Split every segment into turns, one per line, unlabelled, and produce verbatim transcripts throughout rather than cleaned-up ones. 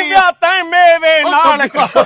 ਵਿਆਹ ਤੈਂ ਮੇਵੇ ਨਾਲ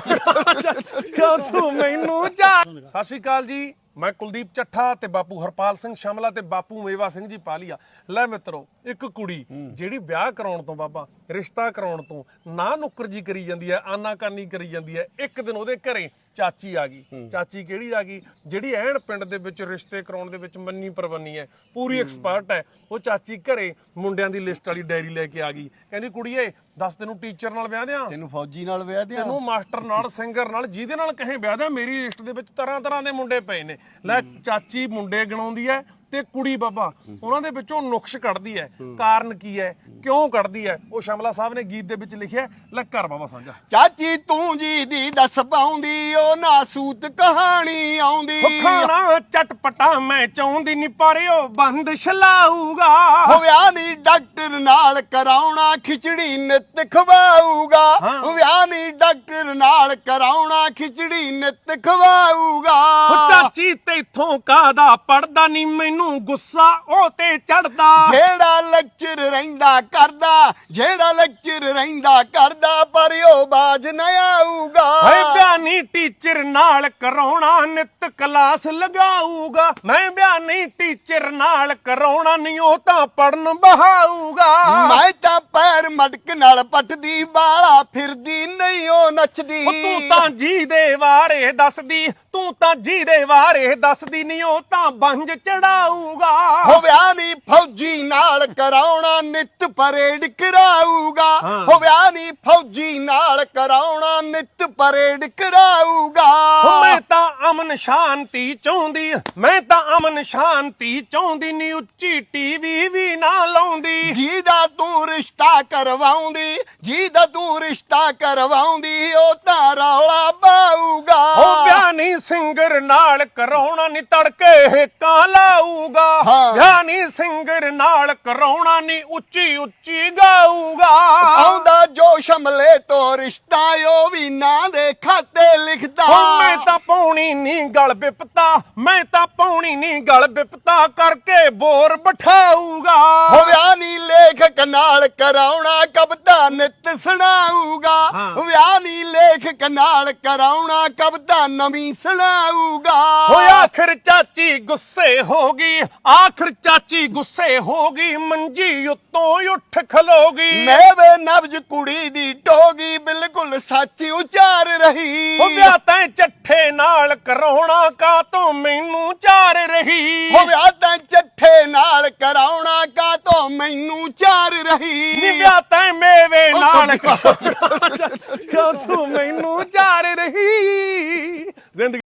ਕਿਉਂ ਤੂੰ ਮੈਨੂੰ ਜਾ। ਸਤਿ ਸ਼੍ਰੀ ਅਕਾਲ ਜੀ, ਮੈਂ ਕੁਲਦੀਪ ਚੱਠਾ ਤੇ ਬਾਪੂ ਹਰਪਾਲ ਸਿੰਘ ਸ਼ਮਲਾ ਤੇ ਬਾਪੂ ਮੇਵਾ ਸਿੰਘ ਜੀ ਪਾਲੀਆ। ਲੈ ਮਿੱਤਰੋ, ਇੱਕ ਕੁੜੀ ਜਿਹੜੀ ਵਿਆਹ ਕਰਾਉਣ ਤੋਂ ਬਾਬਾ ਰਿਸ਼ਤਾ ਕਰਾਉਣ ਤੋਂ ਨਾ ਨੁੱਕਰ ਜੀ ਕਰੀ ਜਾਂਦੀ ਹੈ, ਆਨਾਕਾਨੀ ਕਰੀ ਜਾਂਦੀ ਹੈ। ਇੱਕ ਦਿਨ ਉਹਦੇ ਘਰੇ ਚਾਚੀ ਆ ਗਈ। ਚਾਚੀ ਕਿਹੜੀ ਆ ਗਈ? ਜਿਹੜੀ ਐਨ ਪਿੰਡ ਦੇ ਵਿੱਚ ਰਿਸ਼ਤੇ ਕਰਾਉਣ ਦੇ ਵਿੱਚ ਮੰਨੀ ਪਰਵੰਨੀ ਹੈ, ਪੂਰੀ ਐਕਸਪਰਟ ਹੈ। ਉਹ ਚਾਚੀ ਘਰੇ ਮੁੰਡਿਆਂ ਦੀ ਲਿਸਟ ਵਾਲੀ ਡਾਇਰੀ ਲੈ ਕੇ ਆ ਗਈ। ਕਹਿੰਦੀ ਕੁੜੀਏ ਦੱਸ, ਤੈਨੂੰ ਟੀਚਰ ਨਾਲ ਵਿਆਹ ਦਿਆਂ,
ਤੈਨੂੰ ਫੌਜੀ ਨਾਲ ਵਿਆਹ ਦਿਆਂ,
ਤੈਨੂੰ ਮਾਸਟਰ ਨਾਲ, ਸਿੰਗਰ ਨਾਲ, ਜਿਹਦੇ ਨਾਲ ਕਹੇ ਵਿਆਹ ਦਿਆਂ। ਮੇਰੀ ਲਿਸਟ ਦੇ ਵਿੱਚ ਤਰ੍ਹਾਂ ਤਰ੍ਹਾਂ ਦੇ ਮੁੰਡੇ ਪਏ ਨੇ। ਲੈ ਚਾਚੀ ਮੁੰਡੇ ਗਿਣਾਉਂਦੀ ਹੈ ਤੇ ਕੁੜੀ ਬਾਬਾ ਉਹਨਾਂ ਦੇ ਵਿੱਚੋਂ ਨੁਕਸ਼ ਕੱਢਦੀ ਹੈ। ਕਾਰਨ ਕੀ ਹੈ, ਕਿਉਂ ਕੱਢਦੀ ਹੈ, ਉਹ ਸ਼ਮਲਾ ਸਾਹਿਬ ਨੇ ਗੀਤ ਦੇ ਵਿੱਚ ਲਿਖਿਆ। ਲੈ ਕਰ ਬਾਬਾ ਸਾਂਝਾ।
ਚਾਚੀ ਤੂੰ ਜੀ ਦੀ ਦੱਸ ਪਾਉਂਦੀ, ਉਹ ਨਾਸੂਤ ਕਹਾਣੀ ਆਉਂਦੀ।
ਖਾਣਾ ਚਟਪਟਾ ਮੈਂ ਚਾਹੁੰਦੀ ਨੀ, ਪਰ ਉਹ ਬੰਦ ਛਲਾਊਗਾ।
ਹੋ ਵਿਆਹ ਨੀ ਡਾਕਟਰ ਨਾਲ ਕਰਾਉਣਾ, ਖਿਚੜੀ ਨਿੱਤ ਖਵਾਊਗਾ। ਵਿਆਹ ਨੀ ਡਾਕਟਰ ਨਾਲ ਕਰਾਉਣਾ, ਖਿਚੜੀ ਨਿੱਤ ਖਵਾਊਗਾ।
ਚਾਚੀ ਤੇਥੋਂ ਕਾਹਦਾ ਪੜਦਾ ਨੀ, ਮੈਨੂੰ ਗੁੱਸਾ ਉਹ ਤੇ ਚੜਦਾ।
ਜਿਹੜਾ ਲੈਕਚਰ ਰਹਿੰਦਾ ਕਰਦਾ, ਜਿਹੜਾ ਲੈਕਚਰ ਰਹਿੰਦਾ ਕਰਦਾ, ਪਰ ਉਹ ਬਾਜ ਨਾ ਆਊਗਾ।
ਹਏ ਬਿਆਨੀ ਟੀਚਰ ਨਾਲ ਕਰਾਉਣਾ, ਨਿੱਤ ਕਲਾਸ ਲਗਾਊਗਾ। ਮੈਂ ਬਿਆਨੀ ਟੀਚਰ ਨਾਲ ਕਰਾਉਣਾ, ਨਹੀਂ ਉਹ ਤਾਂ ਪੜਨ ਬਹਾਊਗਾ।
ਮੈਂ ਤਾਂ ਪੈਰ ਮਟਕ ਨਾਲ ਪੱਟਦੀ, ਬਾਲਾ ਫਿਰਦੀ ਨਹੀਂ ਉਹ ਨੱਚਦੀ।
ਤੂੰ ਤਾਂ ਜੀ ਦੇ ਬਾਰੇ ਦੱਸਦੀ, ਤੂੰ ਤਾਂ ਜੀ ਦੇ ਬਾਰੇ ਦੱਸਦੀ, ਨਹੀਂ ਉਹ ਤਾਂ ਬੰਜ ਚੜਾਊਗਾ।
ਹੋ ਵਿਆਹ ਨੀ ਫੌਜੀ ਨਾਲ ਕਰਾਉਣਾ, ਨਿੱਤ ਪਰੇਡ ਕਰਾਊਗਾ। ਹੋ ਵਿਆਹ ਨੀ ਫੌਜੀ ਨਾਲ ਕਰਾਉਣਾ, ਨਿੱਤ ਪਰੇਡ ਕਰਾਊਗਾ।
ਮੈਂ ਤਾਂ ਅਮਨ ਸ਼ਾਂਤੀ ਚਾਹੁੰਦੀ, ਮੈਂ ਤਾਂ ਅਮਨ ਸ਼ਾਂਤੀ ਚਾਹੁੰਦੀ, ਨੀ ਉੱਚੀ ਟੀਵੀ ਵੀ ਨਾ ਲਾਉਂਦੀ।
ਜਿਹਦਾ ਤੂੰ ਰਿਸ਼ਤਾ ਕਰਵਾਉਂਦੀ, ਜਿਹਦਾ ਤੂੰ ਰਿਸ਼ਤਾ ਕਰਵਾਉਂਦੀ, ਉਹ ਤਾਂ ਰੌਲਾ ਪਾਊਗਾ।
ਹੋ ਵਿਆਹ ਨੀ ਸਿੰਗਰ ਨਾਲ ਕਰਾਉਣਾ, ਨੀ ਤੜਕੇ ਹੇਕਾਂ ਲਾਊਗਾ। ਵਿਆਹ ਨੀ ਸਿੰਗਰ ਨਾਲ ਕਰਾਉਣਾ, ਨੀ ਉੱਚੀ ਉੱਚੀ ਗਾਊਗਾ।
ਆਉਂਦਾ ਜੋ ਸ਼ਮਲੇ ਤੋਂ ਰਿਸ਼ਤਾ, ਉਹ ਵੀ ਨਾਂ ਦੇ ਖਾਤੇ ਲਿਖਦਾ।
ਮੈਂ ਤਾਂ ਪਾਉਣੀ ਨੀ ਗਲ ਬਿਪਤਾ, ਮੈਂ ਤਾਂ ਪਾਉਣੀ ਨੀ ਗਲ ਬਿਪਤਾ, ਕਰਕੇ ਬੋਰ ਬਿਠਾਊਗਾ।
ਹੋ ਵਿਆਹ ਨੀ ਲੇਖਕ ਨਾਲ ਕਰਾਉਣਾ, ਕਵਿਤਾ ਨਿੱਤ ਸੁਣਾਊਗਾ। ਵਿਆਹ ਨੀ ਲੇਖਕ ਨਾਲ ਕਰਾਉਣਾ, ਕਵਿਤਾ ਨਵੀਂ ਸੁਣਾਊਗਾ।
ਹੋ ਆਖਰ ਚਾਚੀ ਗੁੱਸੇ ਹੋ ਗਈ, ਆਖਰ ਚਾਚੀ ਗੁੱਸੇ ਹੋ ਗਈ, ਮੰਜੀ ਉੱਤੋਂ ਉੱਠ ਖਲੋਗੀ।
ਮੇਵੇ ਨਬਜ ਕੁੜੀ ਦੀ ਟੋਗੀ, ਬਿਲਕੁਲ ਸੱਚ ਉਚਾਰ ਰਹੀ।
ਹੋ ਵਿਆਹ ਤੈਂ ਚੱਠੇ ਨਾਲ ਕਰਾਉਣਾ, ਕਾ ਤੋਂ ਮੈਨੂੰ ਚਾਰ ਰਹੀ।
ਹੋ ਵਿਆਹ ਤੈਂ ਚੱਠੇ ਨਾਲ ਕਰਾਉਣਾ, ਕਾ ਤੋਂ ਮੈਨੂੰ ਚਾਰ ਰਹੀ।
ਨੀ ਵਿਆਹ ਤੈਂ ਮੇਵੇ ਨਾਲ ਕਿਉਂ ਤੂੰ ਮੈਨੂੰ ਚਾਰ ਰਹੀ। ਜ਼ਿੰਦਗੀ